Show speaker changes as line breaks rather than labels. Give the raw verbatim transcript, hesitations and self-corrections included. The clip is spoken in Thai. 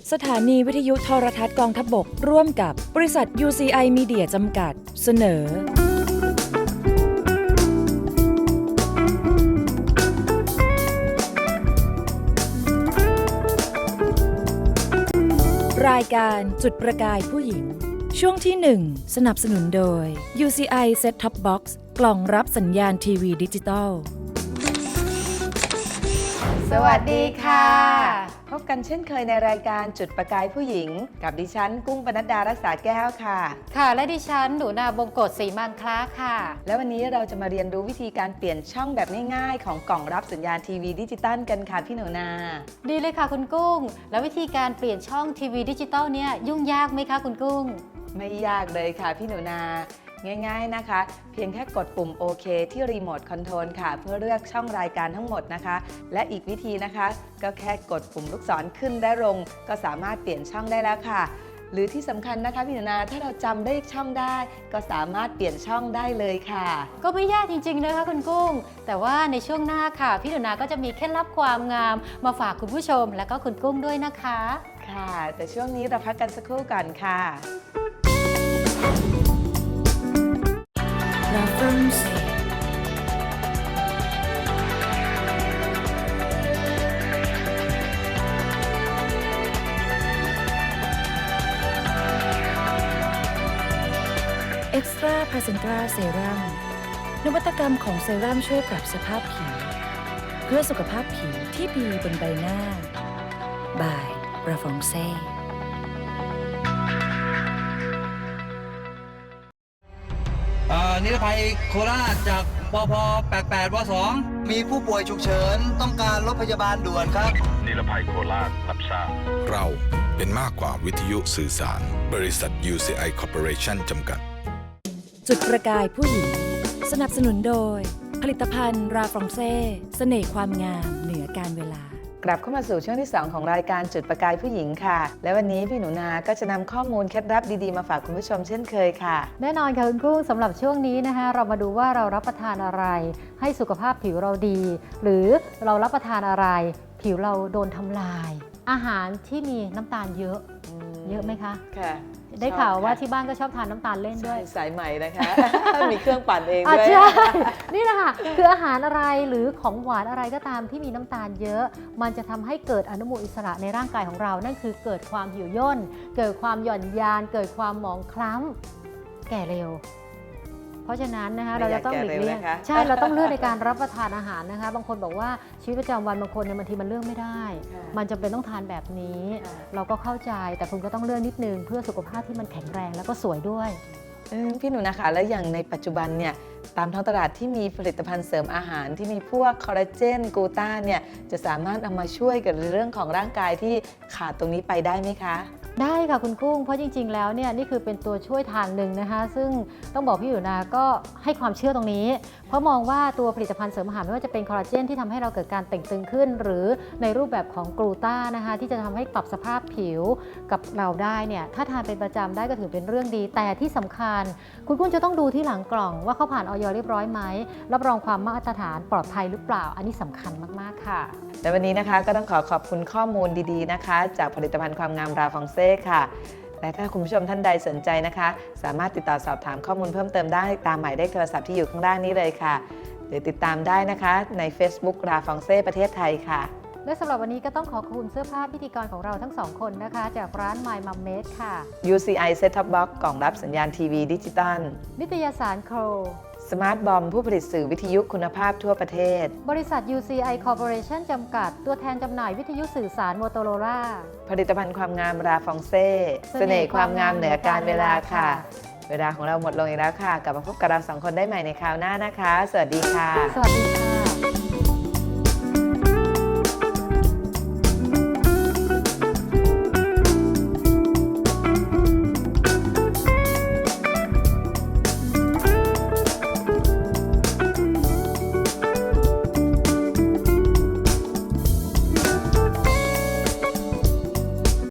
สถานีวิทยุโทรทัศน์กองทัพบกร่วมกับบริษัท ยู ซี ไอ Media จำกัดเสนอรายการจุดประกายผู้หญิงช่วงที่หนึ่งสนับสนุนโดย ยู ซี ไอ Set Top Box กล่องรับสัญญาณทีวีดิจิตอล
สวัสดีค่ะพบกันเช่นเคยในรายการจุดประกายผู้หญิงกับดิฉันกุ้งปนัดดารักษาแก้วค่ะ
ค่ะและดิฉันหนูนาบงกฎศรีมังคล้าค่ะ
แล้ววันนี้เราจะมาเรียนรู้วิธีการเปลี่ยนช่องแบบง่ายๆของกล่องรับสัญญาณทีวีดิจิตอลกันค่ะพี่หนูนา
ดีเลยค่ะคุณกุ้งแล้ววิธีการเปลี่ยนช่องทีวีดิจิตอลเนี่ยยุ่งยากไหมคะคุณกุ้ง
ไม่ยากเลยค่ะพี่หนูนาง่ายๆนะคะเพียงแค่กดปุ่มโอเคที่รีโมทคอนโทรลค่ะเพื่อเลือกช่องรายการทั้งหมดนะคะและอีกวิธีนะคะก็แค่กดปุ่มลูกศรขึ้นและลงก็สามารถเปลี่ยนช่องได้แล้วค่ะหรือที่สำคัญนะคะพี่หนูนาถ้าเราจำได้ช่องได้ก็สามารถเปลี่ยนช่องได้เลยค่ะ
ก็ไม่ยากจริงๆนะคะคุณกุ้งแต่ว่าในช่วงหน้าค่ะพี่หนูนาก็จะมีเคล็ดลับความงามมาฝากคุณผู้ชมและก็คุณกุ้งด้วยนะคะ
ค่ะแต่ช่วงนี้เราพักกันสักครู่ก่อนค่ะ
Reference Extra Placenta Serum นวัตกรรมของเซรั่มช่วยปรับสภาพผิวเพื่อสุขภาพผิวที่ดีบนใบหน้า by Rafongse
นิรภัยโคราชจากปพแปดแปดวสองมีผู้ป่วยฉุกเฉินต้องการรถพยาบาลด่วนครับ
นิรภัยโคราชรับทราบ
เราเป็นมากกว่าวิทยุสื่อสารบริษัท ยู ซี ไอ Corporation จำกัด
จุดประกายผู้หญิงสนับสนุนโดยผลิตภัณฑ์ราฟรองเซ่เสน่ห์ความงามเหนือการเวลาก
ลับเข้ามาสู่ช่วงที่สองของรายการจุดประกายผู้หญิงค่ะและวันนี้พี่หนูนาก็จะนำข้อมูลเคล็ดลับดีๆมาฝากคุณผู้ชมเช่นเคยค่ะ
แน่นอนค่ะคุณกุ้งสำหรับช่วงนี้นะคะเรามาดูว่าเรารับประทานอะไรให้สุขภาพผิวเราดีหรือเรารับประทานอะไรผิวเราโดนทำลายอาหารที่มีน้ำตาลเยอะเยอะไหมคะ
ค่ะ
ได้ข่าวว่าที่บ้านก็ชอบทานน้ำตาลเล่นด้วย
สายใหม่นะคะ มีเครื่องปั่นเอง
ด้วยใช่นี่แหละค่ะคืออาหารอะไรหรือของหวานอะไรก็ตามที่มีน้ำตาลเยอะมันจะทำให้เกิดอนุมูลอิสระในร่างกายของเรานั่นคือเกิดความหิวย่นเกิดความหย่อนยานเกิดความหมองคล้ำแก่เร็วเพราะฉะนั้นนะคะเราจะต้องหลีกเลี่ยงใช่เราต้องเลือกในการรับประทานอาหารนะคะบางคนบอกว่าชีวิตประจำวันบางคนเนี่ยบางทีมันเลือกไม่ได้มันจำเป็นต้องทานแบบนี้เราก็เข้าใจแต่คุณก็ต้องเลือกนิดนึงเพื่อสุขภาพที่มันแข็งแรงแล้วก็สวยด้วย
พี่หนูนะคะแล้วอย่างในปัจจุบันเนี่ยตามท้องตลาดที่มีผลิตภัณฑ์เสริมอาหารที่มีพวกคอลลาเจนกลูต้าเนี่ยจะสามารถเอามาช่วยกับเรื่องของร่างกายที่ขาดตรงนี้ไปได้ไหมคะ
ได้ค่ะคุณกุ้งเพราะจริงๆแล้วเนี่ยนี่คือเป็นตัวช่วยทางหนึ่งนะคะซึ่งต้องบอกพี่อยู่นาก็ให้ความเชื่อตรงนี้เพราะมองว่าตัวผลิตภัณฑ์เสริมอาหารไม่ว่าจะเป็นคอลลาเจนที่ทำให้เราเกิดการเต่งตึงขึ้นหรือในรูปแบบของกลูต้านะคะที่จะทำให้ปรับสภาพผิวกับเราได้เนี่ยถ้าทานเป็นประจำได้ก็ถือเป็นเรื่องดีแต่ที่สำคัญคุณกุ้งจะต้องดูที่หลังกล่องว่าเขาผ่านออยเรียบร้อยไหมรับรองความมาตรฐานปลอดภัยหรือเปล่าอันนี้สำคัญมากๆค่ะ
และวันนี้นะคะก็ต้องขอขอบคุณข้อมูลดีๆนะคะจากผลิตภัณฑ์ความงามราฟองเซ่ค่ะและถ้าคุณผู้ชมท่านใดสนใจนะคะสามารถติดต่อสอบถามข้อมูลเพิ่มเติมได้ตามหมายเลขโทรศัพท์ที่อยู่ข้างล่างนี้เลยค่ะหรือติดตามได้นะคะใน Facebook ราฟองเซ่ประเทศไทยค่ะ
และสำหรับวันนี้ก็ต้องขอขอบคุณเสื้อผ้าพิธีกรของเราทั้งสองคนนะคะจากร้าน My Mum Made ค่ะ
ยู ซี ไอ Set Top Box กล่องรับสัญญาณทีวีดิจิตอล
นิตยสารโคร
สมาร์ทบอมผู้ผลิตสื่อวิทยุคุณภาพทั่วประเทศ
บริษัท ยู ซี ไอ Corporation จำกัดตัวแทนจำหน่ายวิทยุสื่อสารโมโตโรล่า
ผลิตภัณฑ์ความงามราฟองเซ่เสน่ห์ความงามเหนือการเวลาค่ะเวลาของเราหมดลงอีกแล้วค่ะกลับมาพบกับเราสองคนได้ใหม่ในคราวหน้านะคะสวัสดีค่ะ
สวัสดีค่ะ